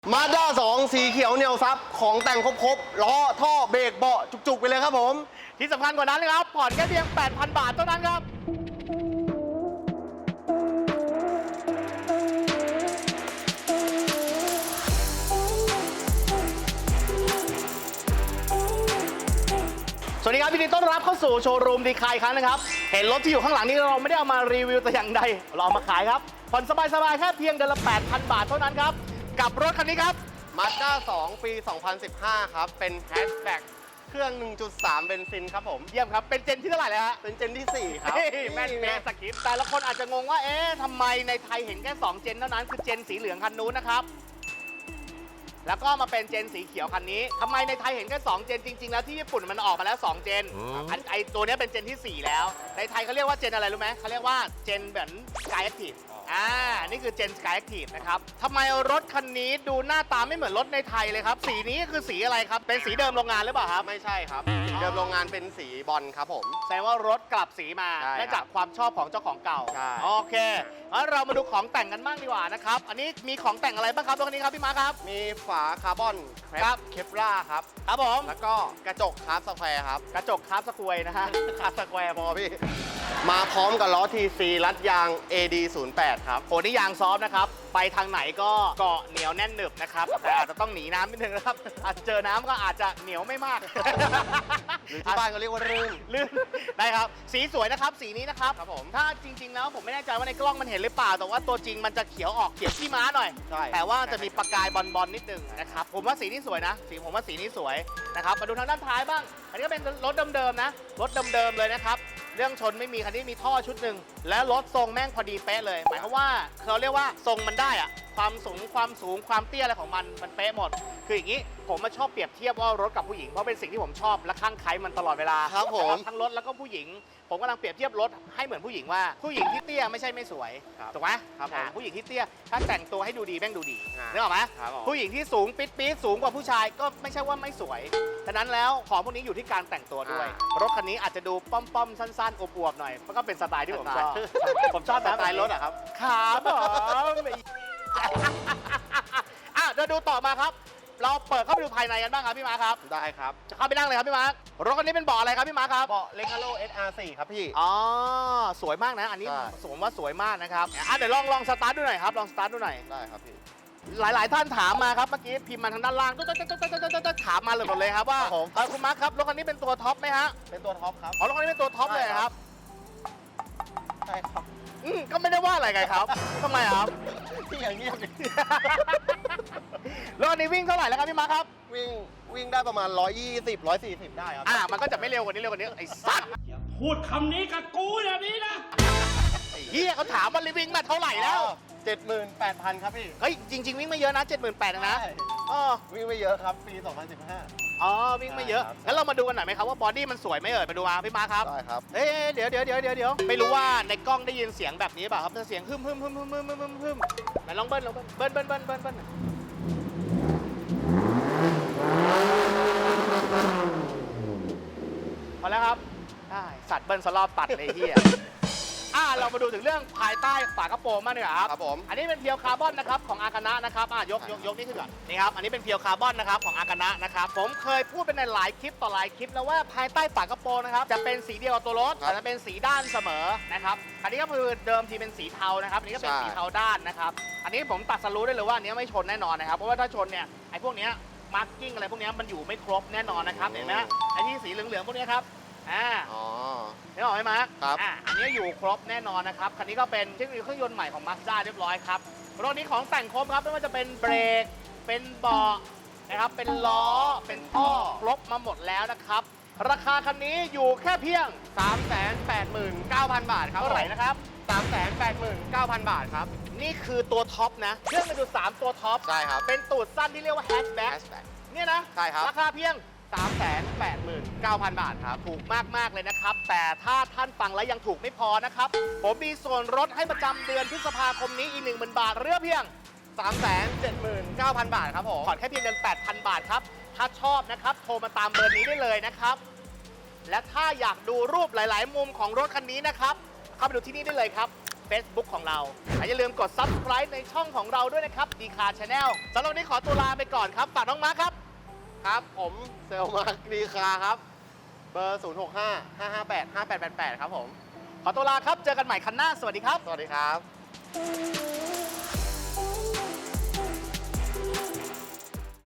มาด้า2สีเขียวเหนียวซับของแต่งครบๆล้อท่อเบรกเบาะจุกๆไปเลยครับผมที่สำคัญกว่านั้นนะครับผ่อนแค่เพียง 8,000 บาทเท่านั้นครับ สวัสดีครับยินดีต้อนรับเข้าสู่โชว์รูมดีคายครั้งนะครับเห็นรถที่อยู่ข้างหลังนี้เราไม่ได้เอามารีวิวแต่อย่างใดเราเอามาขายครับผ่อนสบายๆแค่เพียงเดือนละ 8,000 บาทเท่านั้นครับกับรถคันนี้ครับมาด้า2ปี 2015 ครับ เป็นแฮชแบ็กเครื่อง 1.3 เบนซินครับผมเยี่ยมครับเป็นเจนที่เท่าไหร่แล้วฮะเป็นเจนที่ 4 ครับเฮ้ยแม่นเป๊ะสคริปต์แต่ละคนอาจจะงงว่าเอ๊ะทำไมในไทยเห็นแค่2เจนเท่านั้นคือเจนสีเหลืองคันนู้นนะครับแล้วก็มาเป็นเจนสีเขียวคันนี้ทำไมในไทยเห็นแค่2เจนจริงๆแล้วที่ญี่ปุ่นมันออกมาแล้ว2เจนไอตัวนี้เป็นเจนที่ 4 แล้วในไทยเขาเรียกว่าเจนอะไรรู้ไหมเขาเรียกว่าเจนเหมือน Sky Active นี่คือเจน Sky Active นะครับทำไมรถคันนี้ดูหน้าตาไม่เหมือนรถในไทยเลยครับสีนี้คือสีอะไรครับเป็นสีเดิมโรงงานหรือเปล่าครับไม่ใช่ครับสีเดิมโรงงานเป็นสีบอลครับผมแสดงว่ารถกลับสีมาใช่ครับเนื่องจากความชอบของเจ้าของเก่าใช่โอเคงั้นเรามาดูของแต่งกันบ้างดีกว่านะครับอันนี้มีของแต่งอะไรบ้างครับรถคันนี้ครับพี่มาร์คครับมีฝาคาร์บอนครับเคปล่าครับครับผมแล้วก็กระจกคาร์บสแควร์ครับกระจกคาร์บสควยนะฮะคาร์บสแควร์พอพี่ มาพร้อมกับล้อ TC รัดยาง AD08 ครับโอ้นี่ยางซอฟต์นะครับ ไปทางไหนก็เกาะเหนียวแน่นหนึบนะครับ แต่อาจจะต้องหนีน้ำนิดนึงนะครับ อาจจะเจอน้ำก็อาจจะเหนียวไม่มากหรือที่บ้านก็เรียกว่ารื่นลื่นได้ครับ สีสวยนะครับ สีนี้นะครับครับผมถ้าจริง ๆ แล้วผมไม่แน่ใจว่าในกล้องมันเห็นหรือเปล่า แต่ว่าตัวจริงมันจะเขียวออกเขียวขี้ม้าหน่อยใช่แต่ว่าจะมีประกายบอลนิดนึงนะครับ ผมว่าสีนี้สวยนะผมว่าสีนี้สวยนะครับ มาดูทางด้านท้ายบ้าง อันนี้ก็เป็นรถเดิมๆนะ รถเดิมๆเลยนะครับ เรื่องชนไม่มีคันนี้มีท่อชุดหนึ่งและรถทรงแม่งพอดีเป๊ะเลย หมายความว่าเขาเรียกว่าทรงมันได้อะความสูงความเตี้ยอะไรของมันเป๊ะหมด คืออย่างนี้ผมมาชอบเปรียบเทียบว่ารถกับผู้หญิงเพราะเป็นสิ่งที่ผมชอบและคลั่งไคล้มันตลอดเวลาครับผมทั้งรถแล้วก็ผู้หญิง ผมกำลังเปรียบเทียบรถให้เหมือนผู้หญิงว่าผู้หญิงที่เตี้ยไม่ใช่ไม่สวยครับถูกไหมครับผมผู้หญิงที่เตี้ยถ้าแต่งตัวให้ดูดีแม่งดูดีอ่านึนึกออกไหมครับผมผู้หญิงที่สูงปิดสูงกว่าผู้ชายก็ไม่ใช่ว่าไม่สวยฉะนั้นแล้วของพวกนี้อยู่ที่การแต่งตัวด้วย รถคันนี้อาจจะดูป้อมๆสั้นๆอวบๆหน่อยมันก็เป็นสไตล์ที่ผมชอบ ผมชอบสแบบไตล์รถอะครับครับผมอ่ะเดี๋ยวดูต่อมาครับ เราเปิดเข้าไปดูภายในกันบ้างครับพี่มาร์คครับได้ครับจะเข้าไปนั่งเลยครับพี่มาร์ครถคันนี้เป็นเบาะอะไรครับพี่มาร์คครับเบาะเลคาโ SR4 ครับพี่อ๋อสวยมากนะอันนี้ใช่สมว่าสวยมากนะครับเดี๋ยวลองสตาร์ทดูหน่อยครับลองสตาร์ทดูหน่อยได้ครับพี่หลาย ๆ ท่านถามมาครับเมื่อกี้พิมพ์มาทางด้านล่างถามมาเลยหมดเลยครับว่าครับผมคุณมาร์คครับรถคันนี้เป็นตัวท็อปไหมฮะเป็นตัวท็อปครับอ๋อรถคันนี้เป็นตัวท็อปเลยครับใช่ครับก็ไม่ได้ว่าอะไรไงครับทำไมครับพี่อย่างเงียบดิรถคันนี้วิ่งเท่าไหร่แล้วครับพี่มาร์คครับวิ่งได้ประมาณ 120 140 ได้ครับมันก็จะไม่เร็วกว่านี้ไอ้สัตว์พูดคำนี้กับกูอย่างนี้นะไอ้เฮียเขาถามว่าวิ่งมาเท่าไหร่แล้ว 78,000 ครับพี่เฮ้ยจริง ๆ วิ่งไม่เยอะนะ 78,000นะใช่อ๋อวิ่งไม่เยอะครับ ปี 2015 อ๋อวิ่งไม่เยอะใช่ครับงั้นเรามาดูกันหน่อยไหมครับว่าบอดี้มันสวยไหมเอ่ยมาดูมาพี่มาร์คครับได้ครับเอ๊ะเดี๋ยวไม่รู้ว่าในกล้องได้ยินเสียงแบบนี้เปล่าครับเสียงฮึมไหนลองเบิ้ลพอแล้วครับได้สัตว์เบิ้ลสลอบตัดเลยเฮียเรามาดูถึงเรื่องภายใต้ฝากระโปรงมากดีกว่าครับครับผมอันนี้เป็นเพียวคาร์บอนนะครับของอากานะนะครับยกนี่ขึ้นก่อนนี่ครับอันนี้เป็นเพียวคาร์บอนนะครับของอากานะนะครับผมเคยพูดไปในหลายคลิปต่อหลายคลิปแล้วว่าภายใต้ฝากระโปรงนะครับจะเป็นสีเดียวกับตัวรถแต่จะเป็นสีด้านเสมอนะครับอันนี้ก็คือเดิมทีเป็นสีเทานะครับอันนี้ก็เป็นสีเทาด้านนะครับอันนี้ผมตัดสรู้ได้เลยว่าอันนี้ไม่ชนแน่นอนนะครับเพราะว่าถ้าชนเนี่ยไอ้พวกเนี้ยมาร์กิ้งอะไรพวกเนี้ยมันอยู่ไม่ครบแน่นอนนะครับเห็นไหมไอ้ที่สีเหลืองๆพวกเนี้ยครับอ๋อนึกออกไหมมาร์คครับอันนี้อยู่ครบแน่นอนนะครับ คันนี้ก็เป็นเทคโนโลยีเครื่องยนต์ใหม่ของ Mazda เรียบร้อยครับ รถนี้ของแต่งครบครับ ไม่ว่าจะเป็นเบรก เป็นเบาะนะครับ เป็นล้อ เป็นท่อ ครบมาหมดแล้วนะครับ ราคาคันนี้อยู่แค่เพียง 389,000 บาทครับเท่าไหร่นะครับ 389,000 บาทครับนี่คือตัวท็อปนะ เครื่องมันดู3ตัวท็อปใช่ครับเป็นตูดสั้นที่เรียกว่าแฮชแบ็ค Hatchback เนี่ยนะใช่ครับราคาเพียง 389,000 บาทครับถูกมาก ๆ เลยนะครับ แต่ถ้าท่านฟังแล้วยังถูกไม่พอนะครับ ผมมีส่วนลดให้ประจำเดือนพฤษภาคมนี้อีก 10,000 บาทเรือเพียง 379,000 บาทครับผมผ่อนแค่เพียงเดือน 8,000 บาทครับ ถ้าชอบนะครับ โทรมาตามเบอร์นี้ได้เลยนะครับ และถ้าอยากดูรูปหลาย ๆ มุมของรถคันนี้นะครับ เข้าไปดูที่นี่ได้เลยครับ Facebook ของเราและอย่าลืมกด Subscribe ในช่องของเราด้วยนะครับ d c a r Channel สำหรับวันนี้ขอตัวลาไปก่อนครับ ฝากน้องมาร์คครับครับ ผมเซลมาร์คดีคาครับ เบอร์ 065-558-5888 ครับผมขอตัวลาครับ เจอกันใหม่คันหน้า สวัสดีครับสวัสดีครับ